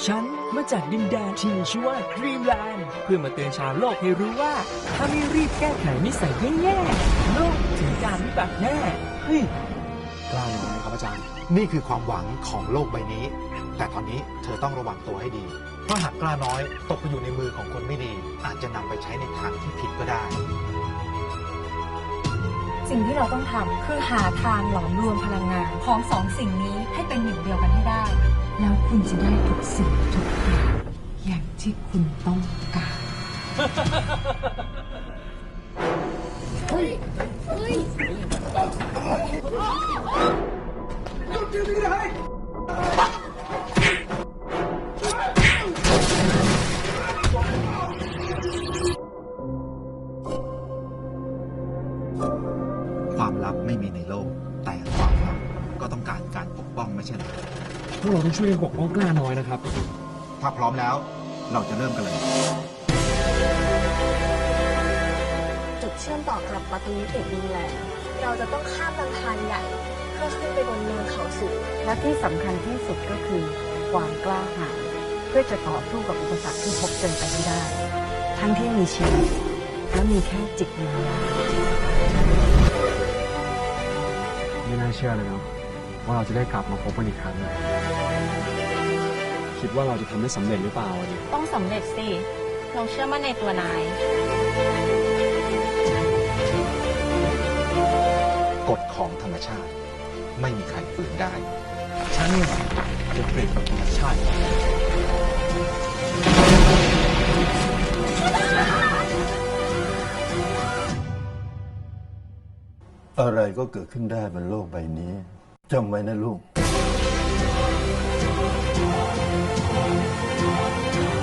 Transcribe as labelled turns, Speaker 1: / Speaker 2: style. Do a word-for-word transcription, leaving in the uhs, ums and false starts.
Speaker 1: ฉันมาจากดินแดนที่มีชื่อว่าดรีมแลนด์เพื่อมาเตือนชาวโลกให้รู้ว่าถ้าไม่รีบแก้ไขนิสัยแย่ๆโลกถึงการวิบัติแน่เฮ้ยกล้าอย่างไรครับอาจารย์
Speaker 2: นี่คือความหวังของโลกใบนี้แต่ตอนนี้เธอต้องระวังตัวให้ดีเพราะหากกล้าน้อยตกไปอยู่ในมือของคนไม่ดีอาจจะนำไปใช้ในทางที่ผิดก็ได้
Speaker 3: สิ่งที่เราต้องทำคือหาทางหลอมรวมพลังงานของสองสิ่งนี้ให้เป็นหนึ่งเดียวกันให้ได้ แล้วคุณจะได้ทุกสิ่งทุกอย่างอย่างที่คุณต้องการเฮ้ยเฮ้ย
Speaker 2: ความลับไม่มีในโลกแต่ความลับก็ต้องการการปกป้องไม่ใช่เหรอ
Speaker 1: พวกเราต้องช่วยกันปกป้องกล้าน้อยนะครับ
Speaker 2: ถ้าพร้อมแล้วเราจะเริ่มกันเลย
Speaker 3: จุดเชื่อมต่อกับประตูมิติดินแลนด์เราจะต้องข้ามลำธารใหญ่เพื่อขึ้นไปบนเนินเขาสูงและที่สำคัญที่สุดก็คือความกล้าหาญเพื่อจะต่อสู้กับอุปสรรคที่พบเจอไปให้ได้ทั้งที่มีชีวิตและมีแค่จิตวิญญาณ
Speaker 1: ไม่น่าเชื่อเลยเนาะว่าเราจะได้กลับมาพบกันอีกครั้งคิดว่าเราจะทำได้สำเร็จหรือเปล่าดิ
Speaker 3: ต้องสำเร็จสิเราเชื่อมั่นในตัวนาย
Speaker 2: กฎของธรรมชาติไม่มีใครฝืนได้
Speaker 1: ฉันนี่จะเปลี่ยนกับธรรมชาติ
Speaker 4: อะไรก็เกิดขึ้นได้บนโลกใบนี้จำไว้นะลูก